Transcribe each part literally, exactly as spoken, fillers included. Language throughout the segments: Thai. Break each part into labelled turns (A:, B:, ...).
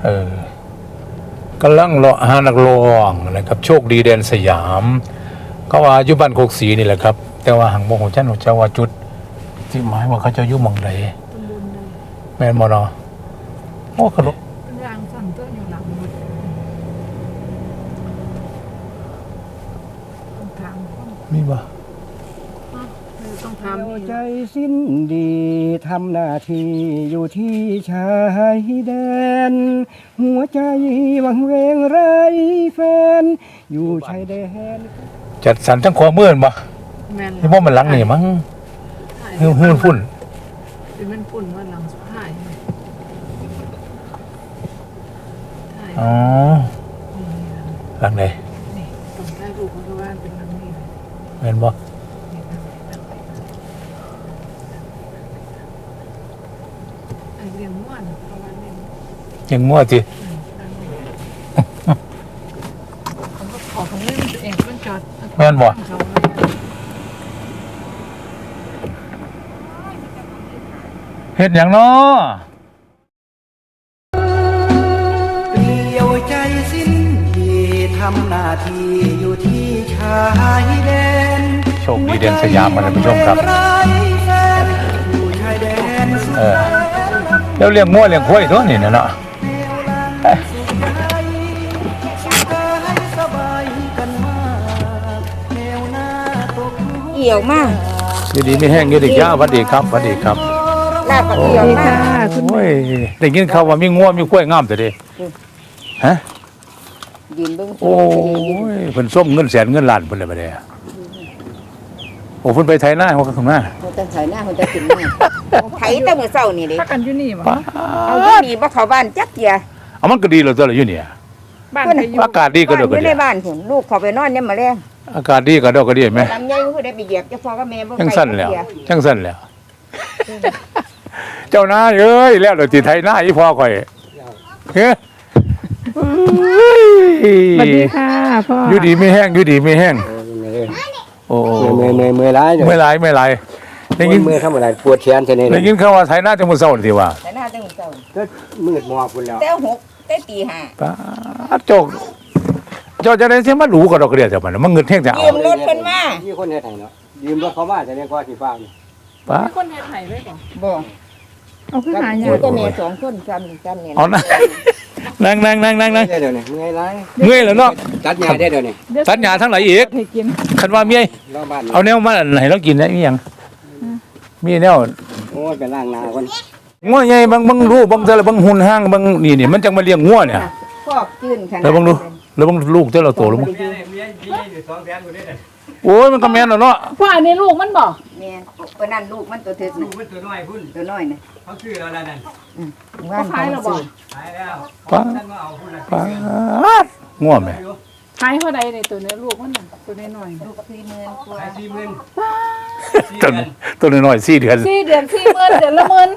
A: เออกำลังเลาะหานักร้องนะครับโชคดีแดนสยามเขาว่าอยู่บ้านโคกศรีนี่แหละครับแต่ว่าหังบ่ฮู้จักเจ้าว่าจุดที่หมายว่าเขาจะอยู่หม่องใดแม่นบ่เนาะโอ้ขลุก
B: ยางสั่นตัวอยู่หลังหมดต้องถาม
A: มีบ่
B: ต้องถาม
C: ใจสิ้นดีทำหน้าที่อยู่ที่ชายแดนหัวใจวังเวงไร้แฟนอยู่ชายแดน
A: จัดสรรทั้งขวามือบ่ที่บ่มันหลังนี่มั้งฮือฮือฝุ่น
B: เป็นมันฝุ่นว่าหลังสุดท้าย
A: อ๋อหลังไหน
B: นี่ต้องได้รูปเพราะว่าเป็นหลังนี้
A: แม่นบ่
B: เลี้ยงม้วนประมาณนี้
A: ยังมั่วสิ
B: ขอของเล่นเองมันจอด
A: แม่นบ่เฮ็ดหยังเนาะ
C: เปลี่ยวใจสิ้นดีทำหน้าที่อยู่ที่ชายแดน
A: โชคดีแดนสยามท่านผู้ชมครับเออแล้วเลี้ยงมั่วเลี้ยงควายตัวนี่เนาะ
D: เอี่ยวมาก
A: ดีดีไม่แห้งอยู่ดีจ้าสวัสดีครับสวัสดีครับ
D: ลาบเอี่ยวมาก
A: โอ้ยได้ยินเขาว่ามีงัวมีควายงามแต่เด้ฮะ
D: ยืนเบิ่ง
A: โอ้ยเพิ่นส้มเงินแสนเงินล้านเพิ่นเลยบัดนี้โอ้เพิ่นไปไถนาเฮาก็ข้างหน้า
D: เพิ่นจะไถนาเพิ่นจะขึ้นมาไถแต่มื้อเช้านี่เด้
B: พักกันอยู่นี่บ่
D: เอาอยู่นี่บ่เข้าบ้านจักเที่ย
A: เอามันก็ดีแล้วตัวละอยู่นี่
B: บ้านอยู่
A: อากาศดีก็ดอกก็
D: ดีอยู่ในบ้านพุ่นลูกเข้าไปนอนยามมื้อแลง
A: อากาศดีก็ดอกก็ดีแม่
D: ลำไยผู้ใดไปเหยียบจะพอกับแม่บ่ไป
A: จังสั่นแล้วจังสั่นแล้วเจ้านายเอ้ยแล้วเดี๋ยวสิไถนาอีพ่อข่อยเฮ้
B: สวัสดีค่ะพ่อ
A: อยู่ดีไม่แห้งอยู่ดีไม่แห้งโอ้
C: เมื่อยเมื่อยเมื่อยร้าย
A: เมื่อยร้ายเมื่อยร้าย
C: ได้ยินเมื่อยทำอะไรปวดแขนใช่ไหม
A: ได้ยินเขาว่าไถนาจังมื้อเช้านี่ว่า
D: ไถนาจังมื้อเช้า
C: ก็มืดมอพุ่นแล้ว
D: แต่หกแต่ตีห้า
A: ป๊าดโจกเจ้าจะได้สิมารู้ก็ดอกกระเดียจังมันมันเงินแท้งจะเอา
D: ยืมรถเพิ่นมา
C: มีคนเฮ็ดให้เนาะยืมรถเขามาจะได้กว่าสิฟ้านี่
A: ป๊า
B: มีคนเฮ็ดให้เลยบ่
D: บ่
B: เอาคือหายาก
D: ก็แม่สองคนซ้ำซ้ำนี่
A: เอานั่งนั่งนั่งนั่งนั่ง
C: เดี๋ยวนี้เมื่อยร้าย
A: เมื่อยแล้วเนาะ
C: ตัดหญ้าได้เดี๋ยวนี้
A: ตัดหญ้าทั้งหลายอีกคันว่าเมียเอาแนวมาให้เรากินได้มีหยังมีแนว
C: โอ้ยไปล้างหน้าก่อน
A: งัวใหญ่บางบางรูปบางแต่ละบางหุ่นห้างบางนี่นี่มันจังมาเลี้ยงงัวเนี่ย
D: พอกจื้นขนาด
A: แล้วบางดูแล้วบางลูกแต่ละโตแล้วมั้งโอ้ยมันก็แม่นแล้วเนาะ
B: พ่ออันนี้ลูกมันบ่
D: แม่นเพิ่นนั่นลูกมันตัวถึกลูกมันตัวน้อยพุ่นตัวน้อยน่ะเขาซื้อแล้วนั่นอืมว่าขายแล้วบ่
C: ขายแล้ว
A: ป้าป้างัวแม่
B: ขายเท่าใดในตัวเนื้อลูกมันตัวน้อยๆ
D: ลูกสี่หมื่นกว่า
C: สี่หมื่น
A: ตัวตัวน้อยๆสี่เดือน
B: สี่เดือนสี่หมื่นเดือนละหมื่น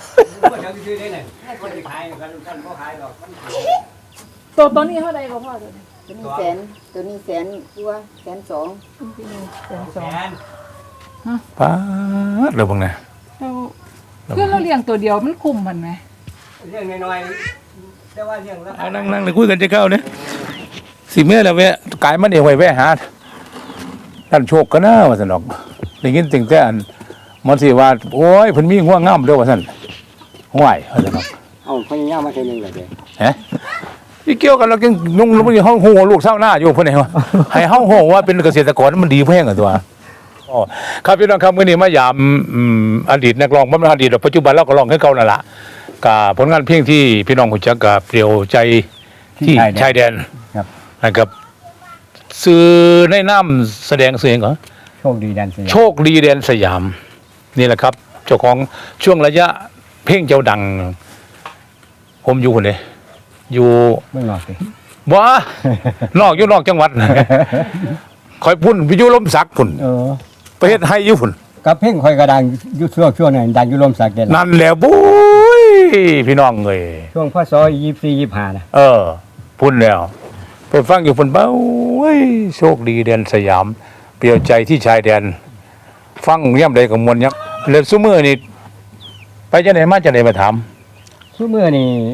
B: ตัวตัวนี้เท่าใดบ่พ่อตัวนี้
D: ตัวนี้แสนตัวนี้แสนกว่าแสนสอง
B: แสนสอง
A: ป้าดแล้วบังนะ
B: คือเราเลี้ยงตัวเดียวมันคุ้มมันไหม
C: เลี้ยงน้อยๆแต่ว่าเลี้ยงแล้ว
A: นั่งนั่งเลยคุยกันจะเข้าเนี่ยสิเมื่อแล้วแวะกายมันเองไว้แวะหาท่านโชคก็น่าว่าสนอกได้ยินตึงแต่อันมันสิว่าโอ้ยเพิ่นมีง่วงงามเด้อว่าซั่นห่วยว่าซั่นเนาะ
C: เอ้าพญายามมาเทื่อนึงแล้วเด้
A: ฮะอีเกี่ยวกันเราจังนุ่งแล้วมันห้องโหลูกเศร้าหน้าอยู่เพิ่นให้ว่าให้เฮาโหว่าเป็นเกษตรกรมันดีแพงอ่ะตัวอ๋อครับพี่น้องครับมื้อนี้มายามอดีตนักร้องบ่แม่นอดีตปัจจุบันเราก็ร้องคือเก่านั่นล่ะก็ผลงานเพลงที่พี่น้องรู้จักก็เปลี่ยวใจที่ชายแดน
C: ครับ
A: นะครับสื่อในน้ำแสดงเสียงเหรอ
C: โชคดีแดนสยาม
A: โชคดีแดนสยามนี่แหละครับเจ้าของช่วงระยะเพลงเจ้าดังผมอยู่คนเดียวอยู่
C: เมืองนอกสิ
A: บ่นอกอยู่นอกจังหวัดคอยพุ่นไปอยู่ลมสักพุ่น
C: เออ
A: ประเทศไทยอยู่พุ่น
C: กับเพลงคอยกระดังอยู่ช่วงช่วงนั้นดังอยู่ลมสักเด่น
A: นั่นแหละบุ้ยพี่น้องเอ้ย
C: ช่วงพศยี่สิบสี่ ยี่สิบห้านะ
A: เออพุ่นแล้วไปฟังอยู่พุ่นเบ้าเว้ยโชคดีแดนสยามเปลี่ยวใจที่ชายแดนฟังย่ำใดกับมวลยักษ์เลือดซุมือนี่ไปจะไหนมาจะไหนมาถาม
C: ซุมือนี่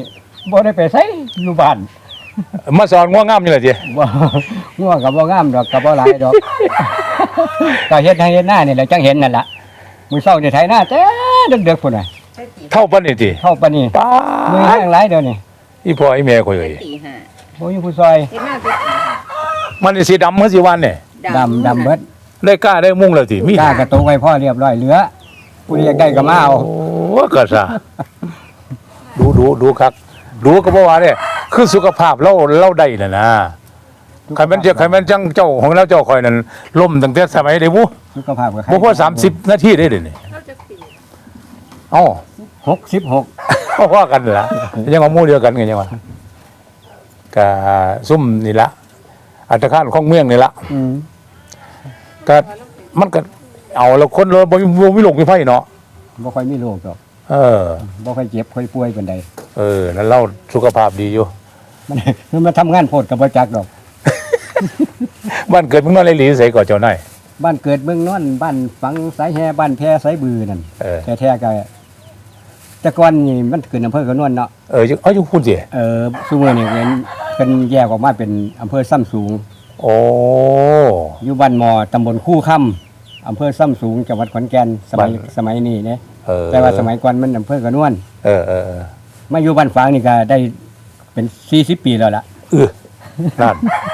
C: บ่ได้ไปไสอยู่บ้าน
A: มาสอนง่วงงามนี่แหละจี
C: บ่ง่วงก็บ่งามดอกก็บ่หลายดอก ก็เฮ็ดให้เฮ็ดหน้านี่แหละจังเห็นนั่นล่ะมื้อเช้านี่ไถนาแต่ดึกๆพุ่นน่ะ
A: เท่าปานนี่จี
C: เข้าปานนี้
A: ป้า
C: มือแห้งหลายเดี๋ยวนี้
A: อีพ่ออีแม่ข่อยเอ้ย
D: ตีห้า
C: บ่มีผู้ซอย
D: เฮ็ดหน้าตีห้า
A: มันนี่สีดำเมื่อสิวันเนี่ย
C: ดำดำเบิด
A: ได้กล้าได้มุ่งแล้วสิมี
C: กล้ากระตุกไว้พ่อเรียบร้อยเหลือผู้ใดอยากได้ก็มาเอา
A: โอ้ก็ซะดูดูดูครับดูก็บ่ว่าเด้คือสุขภาพเราเราได้น่ะนะใครมันจะใครมันจังเจ้าของเราเจ้าข่อยนั่นล่มตั้งแต่สมัยใดบุ
C: สุขภาพก็
A: บ่พอสามสิบนาทีได้เด้นี่
B: เขาจะปี
A: เอ้า
C: หกสิบหก
A: ก็ว่ากันล่ะยังว่าหมู่เดียวกันไงยังว่าก็ซุ่มนี่ละอัตคารของเมืองนี่ละ
C: อืม
A: ก็มันก็เอาแล้วคนเราบ่มีบ่มีโรคมีไฟเนาะ
C: บ่ค่อยมีโรคดอก
A: เออ
C: บ่ค่อยเจ็บค่อยป่วยปานใด
A: เออนั่นเราสุขภาพดีอยู่
C: มันมันมาทำงานโพดก็บ่จักดอก
A: บ้านเกิดเมึงนอนเลยหลีใส่ก่อนเจ้านาย
C: บ้านเกิดเมืองนอนบ้านฝังสายแฮบ้านแพสายบือนั่น
A: เออ
C: แท้ๆก็แต่ก่อนนี่มันขึ้นอำเภอกระนวนเนาะ
A: เอออยู่เอาอยู่พูดสิ
C: เออซุมื้อนี้เป็นเป็นแยกออกมาเป็นอำเภอซ้ำสูง
A: โอ้
C: อยู่บ้านมอตำบลคู่ค่ำอำเภอซ้ำสูงจังหวัดขอนแก่นสมัยสมัยนี้เนี่ย
A: เออ
C: แต่ว่าสมัยก่อนมันอำเภอกระนวน
A: เออเออเออ
C: มาอยู่บ้านฝางนี่ก็ได้เป็นสี่สิบปีแล้วล่ะ
A: เออนั่น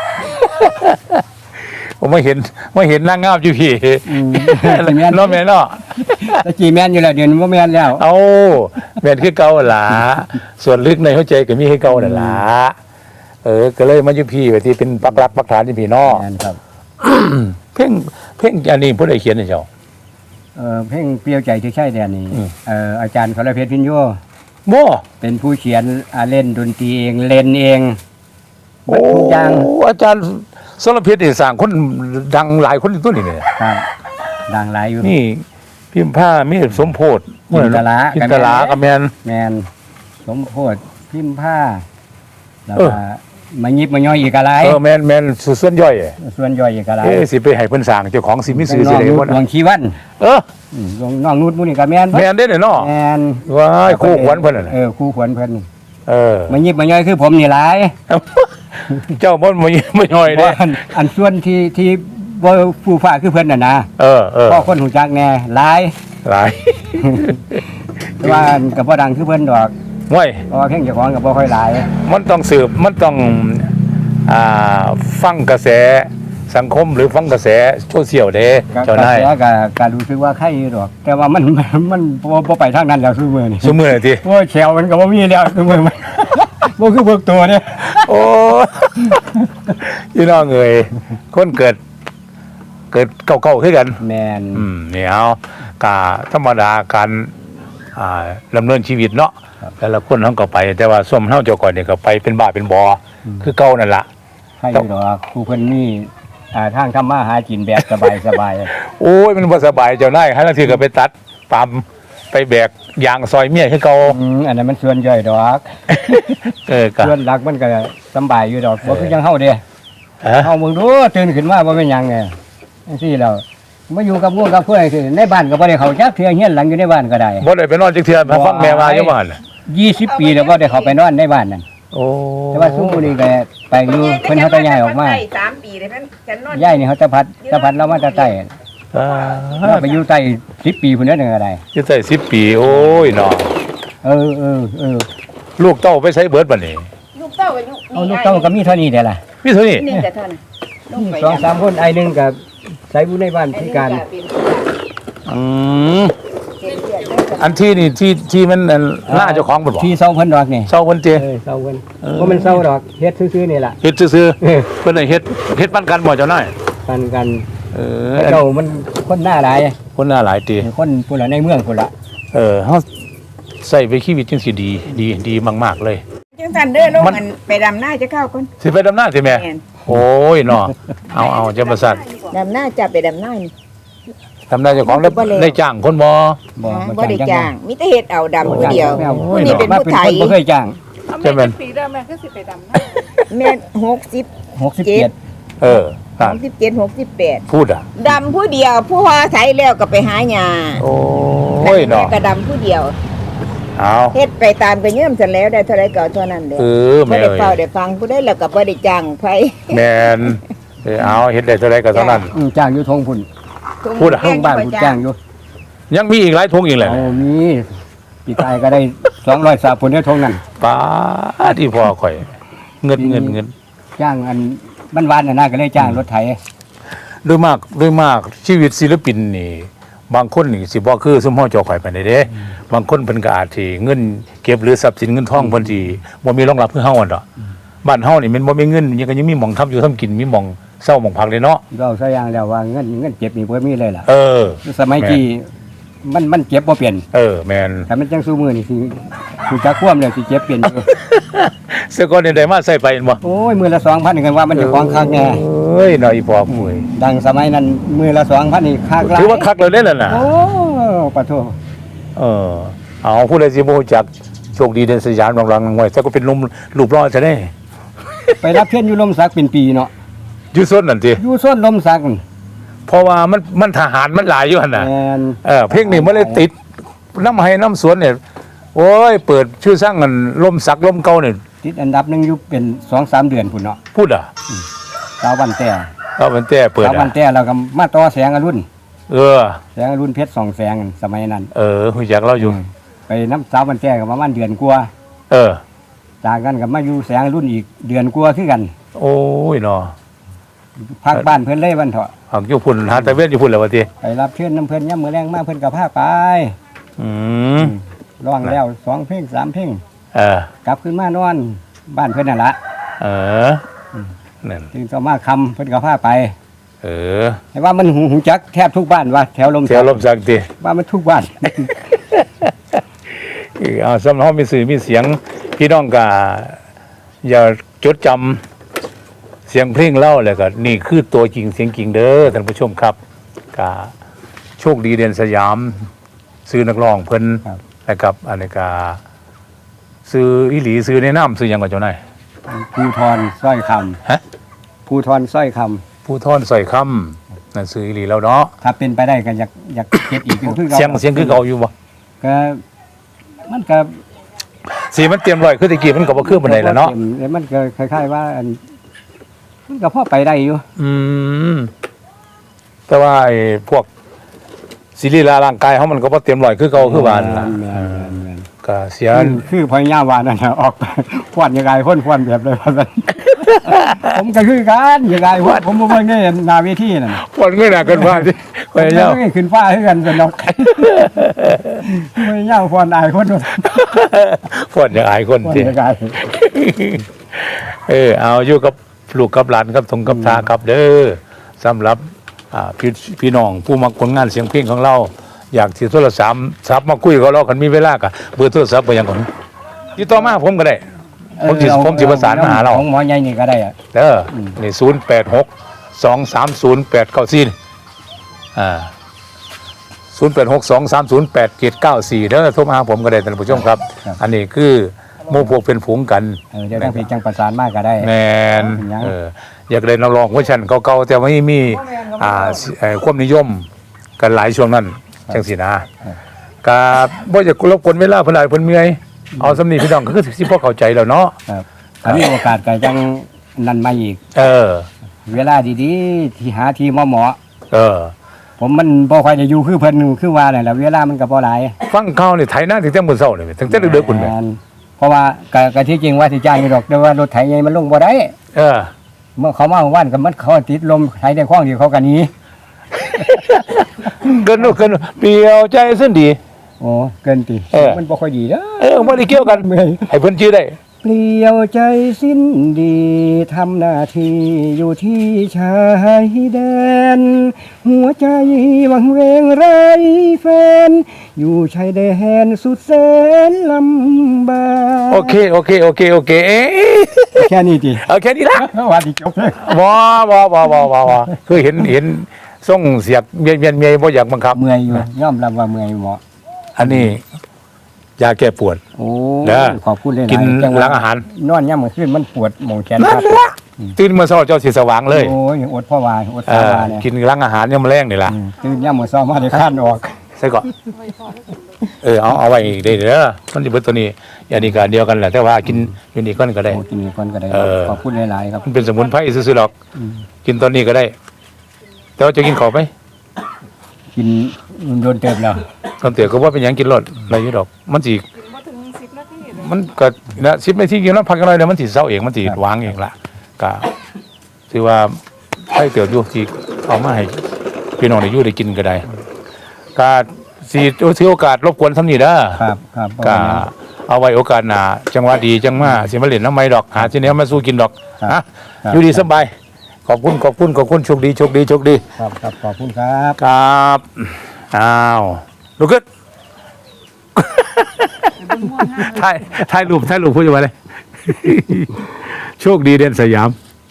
A: ผมไม่เห็นไม่เห็นนางงามอยู่พี่
C: อืม
A: เนาะแม่เนาะ
C: ตะกี้แม่นอยู่แล้วเดี๋ยวนี้บ่แม่นแล้ว
A: เอาแม่นคือเก่าหั่นล่ะส่วนลึกในหัวใจก็มีให้เก่านั่นล่ะเออก็เลยมาอยู่พี่ว่าที่เป็นปักหลักปักฐานที่พี่เนาะ
C: แม่นครับ
A: เพ่งเพ่งอันนี้ผู้ใดเขียนให้เจ้า
C: เออเพลงเปรี้ยวใจที่ใช่แดนนี่
A: อืม
C: เอออาจารย์สรเพชรพิญโย
A: บ่
C: เป็นผู้เขียนอ่าเล่นดนตรีเองเล่นเองเบิดทุกอย่าง
A: โอ้อาจารย์สรเพชรนี่สร้างคนดังหลายคนอยู่ตัวนี้เนี่ย
C: ครับดังหลายอยู่
A: นี่พิมพ์ผ้ามีสมโพธิ
C: จินตลา
A: จินตลากับแมน
C: แมนสมโพธิพิมพ์ผ้าแล้ว
A: เออ
C: ก็มายิบมาย่อยอีกอะไร
A: เออแมนแมนส่วนย่อย
C: ส่วนย่อยอีกอะไร
A: เอ๊ะสิไปให้เพิ่นสร้างเจ้าของสิมีซื้อ
C: น้
A: สิ
C: อง
A: ได้
C: นุ
A: บ่
C: ชดวงชีวัน
A: เออ
C: อืมน้องนุชมุนี่ก็แมน
A: แมนได้เนาะ
C: แมน
A: ว้ายคู่ขวัญเพิ่นน่ะ
C: เออคู่ขวัญเพิ่น
A: เออ
C: มายิบมาย่อยคือผมนี่หลาย
A: เจ้าบ่บ่บ่ย่อย
C: เพ
A: เด้
C: ราะอันอันส่วนที่ที่บ่ผู้ฟ้าคือเพิ่นน่ะนะ
A: เออเออ
C: พ่อคนหูจักแน่หลาย
A: หลาย
C: แต่ว่าอันก็บ่ดังคือเพิ่นดอก
A: ว้ย
C: เพราะว่าเพลงเจ้าของก็บ่ค่อยหลาย
A: มันต้องสืบมันต้องอ่าฟังกระแสสังคมหรือฟังกระแสโซเชียลเด้
C: ก็
A: เจ้านาย
C: ก็ก็ก็รู้สึกว่าใครอยู่ดอก แต่ว่ามันมันมันบ่บ่ไปทางนั้นแล้วซุมื้อนี่
A: ซุมื้อนี่ติ
C: โอ้ยแถวมันก็บ่มีแล้วซุมื้อมัน บ่คือพวกตัวเนี่ย
A: โอ้ พี่น้องเอ้ยคนเกิด เกิดเก่าๆคือกัน
C: แม่น
A: อืมเนี่ยเอากาธรรมดาการอ่าดำเนินชีวิตเนาะแต่ละคนเขาก็ไป แต่ว่าส้มเฮาเจ้าก่อนเนี่ยก็ไปเป็นบ้าเป็นบอคือเก่านั่นล่ะ
C: ใครอยู่ดอกผู้เพิ่นมีอ่าทางทำมาหากินแบบสบายสบาย
A: โอ้ยมันบ่สบายเจ้านายให้ลังทีก็ไปตัดปั๊มไปแบกยางซอยเมียคือเก่า
C: อืมอันนั้นมันส่วนย่อยดอก
A: เออก็
C: ส่วนหลักมันก็สำบายอยู่ดอกบ่คือจังเฮาเด้
A: ฮะ
C: เฮามึงดูตื่นขึ้นมาบ่เป็นหยังไงจังซี่แล้วมาอยู่กับพวกกับเพื่อนคือในบ้านก็บ่ได้เข้าจักเทื่อเฮียนหลังอยู่ในบ้านก็ได้
A: บ่ได้ไปนอนจักเทื่อมาฟังแม่ว่าอยู่บ้าน
C: ยี่สิบปีแล้วบ่ได้เข้าไปนอนในบ้านนั่น
A: โอ้
C: แต่ว่าซุมื้อนี้ก็ไปอยู่เพิ่นเฮาตะย้ายออกมา
D: สามปีเลยเพิ่นฉันนอน
C: ย้ายนี่เขาตะพัดตะพัดเรามาแตะใต้
A: อ่า
C: เราไปอยู่ใต้สิบปีพุ่นนั้นก็ได้
A: อยู่ใส่สิบปี โอ้ยเนาะ
C: เออเออเออ
A: ลูกเต้าไปใช้เบิดบัดนี้
D: ลูกเต้าอายุ
C: เอาลูกเต้าก็มีเท่านี้เด้ล่ะ
A: มีเท่านี้
D: นี่แต่เท่านั้นลงไป
C: สองสามคนไอ้หนึงก็ใส่อยู่ในบ้านพิการ
A: อืมอันที่นี่ที่ที่มันอันหน้าเจ้าของบ่บอก
C: ที่เซาเพิ่นดอกนี่
A: เศร้าเพิ่นเจ
C: เออเซาเพิ่นบ่แม่นเซาดอกเฮ็ดซื่อๆนี่ล่ะ
A: เฮ็ดซื่อ
C: เออ
A: ๆเพิ่นให้เฮ็ดเฮ็ดปันกันบ่เจ้านาย
C: กันกัน
A: เออ
C: เจ้ามันคนหน้าหลาย
A: คนหน้าหลายตี
C: คนพุ่นละในเมืองพุ่นละ
A: เออเฮาใส่ไปชีวิตจังสิดี ดีดีมากๆเลย
D: จังสันเด้อลงมันไปดำหน้าจะเข้าคน
A: สิไปดำหน้าสิแม่
D: แม่น
A: โอ้ยเนาะเอาเอาจะประสาท
D: ดำหน้าจะไปดำหน้านี่
A: ทำได้เจ้าของได้
D: บ่แล้ว
A: ได้จ้างคนบ่
C: บ่
D: นะ
C: บ่
D: บ่ได้จ้างมีแต่เฮ็ดเอาดำผู้เดียว
C: บ่จ้าง
D: ผู้นี้เป็น
C: มา
D: ผู้
C: เป็น
D: ไท
C: ค
D: ย
C: นบ่เคยจ้าง
B: เอา
A: ใช่
B: แม่
A: ไหม
B: จะปีแล้วแม่ก็สิไปดำนะ
D: แม่หกสิบ
C: หกสิบเจ็ด
A: เออ
D: ห
A: นั่น
D: กสิบเจ็ดหกสิบแปด
A: พูดอ่ะ
D: ดำผู้เดียว ผู้ว่าไทยแล้วก็ไปหาหญ้า
A: โอ้ยเนาะ
D: แม่ก็ดำผู้เดียว
A: เอา
D: เฮ็ดไปตามไปเงื่อมเสร็จแล้วได้เท่าไรก็เอาเท่านั้นเด้อ
A: เออ
D: บ่
A: แม่
D: ได้
A: เอ้ย
D: เฝ้าได้ฟังผู้ใดแล้วก็บ่ได้จ้างไผ
A: แมนเออเอาเฮ็ดได้เท่าไรก็เท่านั้น
C: อืมจ้างอยู่ทงพุ่น
A: พูดอะ
C: ทงบ้านพุ่นจ้างอยู่
A: ยังมีอีกหลายทงอีกแหละ
C: เอามีปีกายก็ได้สองร้อยสาพุ่นได้ทงนั้น
A: ป้าที่พ่อข่อย เงินเงินเงิน
C: จ้างอันบ้านๆน่ะนะก็เลยจ้างรถไถ
A: โดยมากโดยมากชีวิตศิลปินนี่ บางคนนี่สิบ่คือสมเฮาเจ้าข่อยไปานใดเด้บางคนเพิ่นก็อาจสิเงินเก็บหรือทรัพย์สินเงินทองเพิ่นสิบ่มีรองรับคือเฮาอ่ะดอกบ้านเฮานี่มันบ่มีเงินยังก็ยังมีหม่องทำอยู่ทำกินมีหม่องเช้าหม่องพักเลยเนาะ
C: เราซะอย่างแล้วว่าเงินเงินเก็บนี่บ่มีเลยล่ะ
A: เออ
C: สมัยที่มันมันเก็บบ่เปลี่ยน
A: เออแม่น
C: ถ้ามันจังสู้มือนี่สิสิจักความแล้วสิเก็บเปลี่ยนอยู่
A: เสื้อก่อนนี่ได้มาใส่ไปเห็นบ่
C: โอ้ยมือละ2,000กันว่ามันจะของคักแน่
A: เอ้ยน้อยอีพ่อปุ้ย
C: ดังสมัยนั้นมือละ2,000นี่คักหลาย
A: ถือว่าคักแล้วเด้ล่ะน่ะ
C: โอ้ปะโท
A: เออเอาผู้ใดสิบ่รู้จักโชคดีเด่นสยามรังๆไว้แต่ก็เป็นลมรูปรอจะได้
C: ไปรับเชิญอยู่ลมสักเป็นปีเนาะ
A: อยู่ส่วนนั่นติ
C: อยู่ส้นลมสักนั่น
A: เพราะว่ามันมันทหารมันหลายอยู่หั่นน่ะ
C: แม่น
A: เออเพลงนี้มันเลยติดน้ำให้น้ำสวนเนี่ยโอ้ยเปิดชื่อสร้างกันลมสักลมเก่าเนี่ย
C: ติดอันดับหนึงอยู่เป็น สองสาม เดือนพุ่นเนาะ
A: พูดอ่ะ
C: สาววันแต่
A: เอามันแต่เปิด
C: สาววั
A: อ่ะ
C: นแต่แล้วก็มาต่อแสงอรุณ
A: เออ
C: แสงอรุณเพชรสองแสงนั่นสมัยนั้น
A: เออหูจักเราอยู่
C: ไปน้ำสาววันแต่ก็ประมาณเดือนกว่า
A: เออ
C: จากกันก็มาอยู่แสงอรุณอีกเดือนกว่าคือกัน
A: โอ้ยเนาะ
C: พักบ้านเพิ่นเลยวันเถาะ
A: หักอยู่พุ่นหาตะเวนอยู่พุ่นแล้ววะที
C: ไปรับเชิญน้ำเพิ่นย่ำมือแรงมาเพิ่นก็พาไป
A: อืม
C: ร้องแล้วสองเพลงสามเพลง
A: เออก
C: ลับขึ้นมานอนบ้านเพิ่นนั่นละ
A: เออนั่น
C: จึงก็มาคำเพิ่นก็พาไป
A: เออ
C: แต่ว่ามันหูหูจักแทบทุกบ้านว่าแถวลม
A: เสียลมสักที
C: ว่ามันทุกบ้าน
A: เออเอาสำหรับมีสื่อมีเสียงพี่น้องก็อย่าจดจำเสียงเพลงเล่าเลยก็นี่คือตัวจริงเสียงจริงเด้อท่านผู้ชมครับก็โชคดีเด่นสยาม ซื้อนักร้องเพิ่น
C: ครับ
A: นะครับอันนี้ก็ซื้ออีหลีซื้อในน้ำซื้อหยังก่อนเจ้านาย
C: ภูทรสร้อยค
A: ฮะ
C: ำภูทรสร้อยค
A: ผู้ทอนใส่คำนั่นซื้ออีหลีแล้วเนาะ
C: ำถ้าเป็นไปได้ก็อยากอยากเก็บอีกเป็นคือ
A: เสียงเสียงคือเก่าอยู่บ่
C: ก็มันก็
A: สีมันเตรียมร้อยคือตะกี้มันก็บ่คือปานใดแล้วเนาะ
C: แล้วมันก็คล้ายๆว่าอันมันก็พอไปได้อยู่
A: อืมแต่ว่าไอ้พวกศิริลาร่างกายเฮามันก็บ่เตรียมร้อยคือเก่าคือว่านั่นล่ะ
C: แม่นแม่นแม่น
A: ก็เสีย
C: คือคือพญาวานั่นน่ะออก พวนยังไงพ่นพวนแบบเลยว่าซั่น ผมก็คือกันยังไงพวนผมบ่เบิ่งได้หน้าเวทีนั่น
A: ปวดเงินหนักเกินว่าสิไป
C: ผม
A: เจ้า
C: บ่ได้ขึ้นฟ้าคือกันซั่นดอก พญาพวนอายคนว่า
A: ปวดอย่างอายคน
C: พวน
A: สิ
C: ยังไง
A: เออเอาอยู่กับลูกกับหลานกับทงกับทาครับเด้อสำหรับอ่าพี่พี่น้องผู้มักผลงานเสียงเพลงของเรา อยากสิโทรศัพท์ซับมาคุยกับเราคันมีเวลาก็เบอร์โทรศัพท์ไปยังก่อนติดต่อมาผมก็ได้ ผมสิผมสิประสานมาหาเรา
C: ของหมอใหญ่นี่ก็ได้อะ
A: เด้อนี่ศูนย์แปดหกสองสามศูนย์แปดเก้าสี่อ่าศูนย์แปดหกสองสามศูนย์แปดเจ็ดเก้าสี่เด้อโทรมาหาผมก็ได้ท่านผู้ชมครับ อันนี้คือหมู่พวกเป็นฝูงกัน
C: เออเดี๋ยวทางเพจจังประสานมาก็ได้
A: แมน
C: เป็นหยัง
A: เอออยากได้นักร้องเวอร์ชันเก่าๆแต่ว่าไม่มีอ่าเอ่อความนิยมกันหลายช่วงนั้นจังสินะกาบ่อยากรบกวนเวลาเพิ่นหลายเพิ่นเมื่อยเอาสำนีพี่น้องก็คือสิพอเข้าใจแล้วเนาะ
C: ครับถ้ามีโอกาสก็จังนั่นมาอีก
A: เออ
C: เวลาดีๆ ที่หาที่เหมาะ
A: เออ
C: ๆผมมันบ่ค่อยได้อยู่คือเพิ่นคือว่านั่นแหละเวลามันก็บ่หลาย
A: ฟังข่าวนี่ไถนาถึงแต่มื้อเช้านี่ถึงแต่ดึกๆพุ่นแหม
C: แม่นเพราะว่าก็ก็ที่จริงว่าสิจ้างอยู่ดอกแต่ว่ารถไถใหญ่มันลงบ่ได้
A: เออ
C: เมื่อเขามาว่านก็มันเขาติดลมไถได้คล้องเดียวเขาก็หนี
A: เกินเกินเปรียวใจสิ้นดี
C: โอ้เกินติ
A: เออ
C: มันบ่ค่อยดีเด้อ
A: เออบ่ได้เกี่ยวกัน
C: เมื่อย
A: ให้เพิ่นชื่อได้
C: เปลี่ยวใจสิ้นดีทำหน้าที่อยู่ที่ชายแดน หัวใจวังเวงไรแฟน อยู่ชายแดนสุดแสนลำบาก
A: โอเคโอเคโอเคโอเคเอ๊ะ
C: แค่นี้ติ
A: เอาแค่นี้ละ
C: ว่าที่จบเลย
A: ว้าว้าว้าว้าว้าว้าคือเห็นเห็นส่งเสียกเมียนเมียนเมียบ่อยากบังคับ
C: เมื่อยอยู่ยอมรับว่าเมื่อยเหมาะ
A: อันนี้ยาแก้ปวด
C: โอ้
A: เด้อ
C: ขอบคุณเลย
A: กินหลังอาหาร
C: นอนย่ำมื้อคืนมันปวดหมองแขน
A: นั่
C: ครับ
A: นละตื่นมาเช้าเจ้าสิสว่างเลย
C: โอ้ยอดพ่อวายอด
A: เอ
C: พ่อ
A: อ
C: วายเนี่ย
A: กินหลังอาหารยามแลงนี่ล่ะ
C: อืมตื่นย่ำมื้อเช้ามาได้ข้านออก
A: ใส่ก่อนเออเอาเอาไว้อีกได้เด้อมันสิเบิดตัวนี้อย่างนี้ก็อันเดียวกันแหละแต่ว่ากินอยู่นี่ก่อนก็ได้
C: โอ้กินก่อนก็ได้
A: เออ
C: ขอบคุณหลายๆครับ
A: มันเป็นสมุนไพรซื่อๆหรอกกินตอนนี้ก็ได้ แต่ว่าจะกินข้าวไหม
C: กินโดนเติบแล้ว
A: ตอนเตี๋ยก็ว่าเป็นหยังกินรสอะไรอยู่ดอก มันสิ
B: มาถึงสิบนาทีเลย
A: มันก็นะสิบนาทีกินแล้วพักกันหน่อยเดี๋ยวมันสิเซาเองมันสิวางเองล่ะก็ถือว่าให้เตี๋ยวอยู่ที่เอามาให้พี่น้องได้อยู่ได้กินก็ได้ก็สิถือโอกาสรบกวนทำนี่เด้อ
C: ครับครับ
A: ก็เอาไว้โอกาสหน้าจังหวะดีจังมาสิมาเล่นน้ำไม้ดอกหาสิแนวมาสู้กินดอกฮะอยู่ดีสบายขอบคุณขอบคุณขอบคุณโชคดีโชคดีโชคดี
C: ครับครับขอบคุณครับ
A: ครับอ้าวลุกขึ้นถ่ายถ่ายรูปถ่ายรูปพูดยังไงเลย โชคดีเด่นสยาม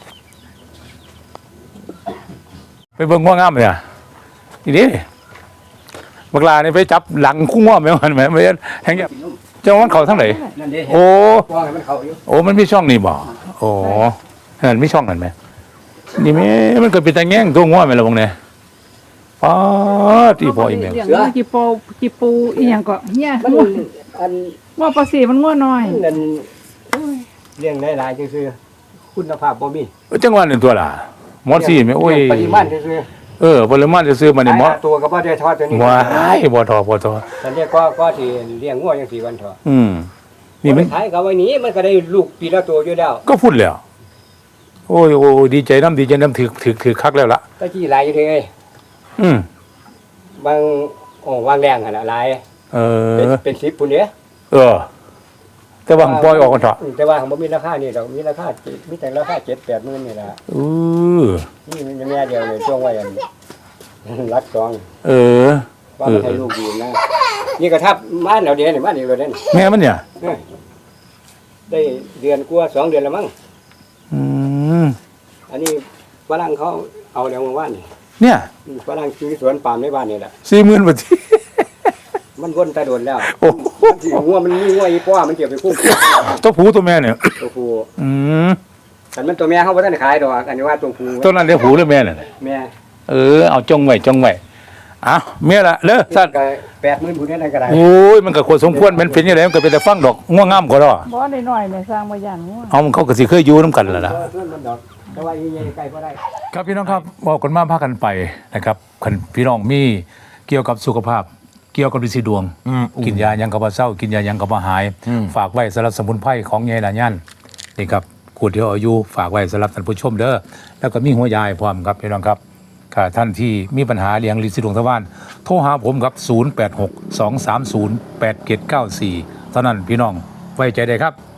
A: ไปเบิ่งง่วงงามเลยอ่ะทีนี้บักลานี่ไปจับหลังคุ้งง่วงไหมมันไหมไม่แห้งเงี้ยเจ้ามันเข่าทั้งไหน
C: นั่นเด้
A: โอ้
C: ป้องให้มันเข้าอยู่
A: โอ้มันมีช่องนี่บ่โอ้เห็นมีช่องนั่นไหมนี่แม่มันเกิดเป็นตาแง่งตัวง่วงไหมล่ะวงเนี่ยป๊าดที่พ่ออีแมว
B: เลี้ยงกี่ปูกี่ปูอีหยังก็เนี่ย
C: มัน
B: งัว
C: อัน
B: ว่าปลาสีมันงัวน้อย
C: นั่นเลี้ยงหลายๆจังซี่คุณภาพบ่มี
A: จังหวะหนึ่งตัวล่ะหมอสี่ไหมโอ้ย
C: ปริมาณจังซี่
A: เออปริมาณจะซื้อมาเนี่ยหมอ
C: ตัวก็บ่ได้ทอดตัวนี้
A: ว้ายบ่ทอบ่ทอ
C: ฉันเรียกก็ก็ที่เลี้ยงงัวจังซี่วันเถอะ
A: อืมนี่มัน
C: ขายก็ไว้นี้มันก็ได้ลูกปีละตัวอยู่แล้ว
A: ก็พูดแล้วโอ้ยโอ้ยดีใจน้ำดีใจน้ำถือถือถือคักแล้วล่ะ
C: ตะกี้หลายอยู่เด้
A: อืม
C: บางโอ้วางแรงหั่นน่ะหลาย
A: เอ
C: เป็น
A: อ
C: เป็นสิบพุ่นเด้
A: เออ แต่ว่าผมปล่อยออกกันเถอะ
C: แต่ว่าบ่มีราคานี่ดอกมีราคามีแต่ราคาเจ็ดแปดหมื่นนี่ล่ะ
A: เออ
C: นี่มันแม่เดียวเลยช่วงไว้อัน รักสอง
A: เออ
C: ว่ามันให้ลูกดีนะนี่ก็ทับบ้านเราเดียวนี่บ้านนี้เราเด่น
A: แม่มันเนี่ย
C: ได้เดือนกว่าสองเดือนแล้วมั้ง
A: อืม
C: อันนี้ฝรั่งเขาเอาแล้วมาว่านนี่
A: เนี่ย
C: ฝรั่งซื้อสวนปาล์มในบ้านนี่แหละ
A: สี่หมื่นบาทที่
C: มันวนตาโดนแล้ว
A: โอ้
C: มันสิงัวมันมีงัวอีป้อมันเก็บไปคุ้ม
A: ตัวผู้ตัวแม่เนี่ย
C: ตัวผู้
A: อืม
C: แต่มันตัวแม่เขาบ่ทันได้ขายดอกอันนี้ว่าตัวผู้
A: ตัวนั้นเรียกผู้หรือแม่เนี่ย
C: แม่
A: เออเอาจงไว้จงไว้อ้าวเมียละเด้อสัตว์
C: ก็แปดหมื่นผู้นี้ได้ก็ได้
A: โอ้ยมันก็ควรสมควรมันเป็นยังไงมันก็เป็นแต่ฟังดอกง่วงงามก็ดอก
B: บ่ได้น้อยแม่สร้างบ่ย่านงัว
A: เอามันเขาก็สิเคยอยู่น้ำกันแหละล่ะ
C: เพื่อนมันดอกแต่ว่าอีใหญ่ใกล้บ่ได้
A: ครับพี่น้องครับบอกกันมาพากันไปนะครับคันพี่น้องมีเกี่ยวกับสุขภาพ เกี่ยวกับดิสีดวง กินยายังกับว่าเศร้า กินยายังกับว่าหาย ฝากไว้สำหรับสมุนไพรของยายหลานยันนี่ครับขวดเดียวอายุฝากไว้สำหรับท่านผู้ชมเด้อแล้วก็มีหัวยายพร้อมครับพี่น้องครับค่ะท่านที่มีปัญหาเลี้ยงลินสีดวงทวารโทรหาผมครับศูนย์ แปด หก สอง สาม ศูนย์ แปด เจ็ด เก้า สี่เท่านั้นพี่น้องไว้ใจได้ครับ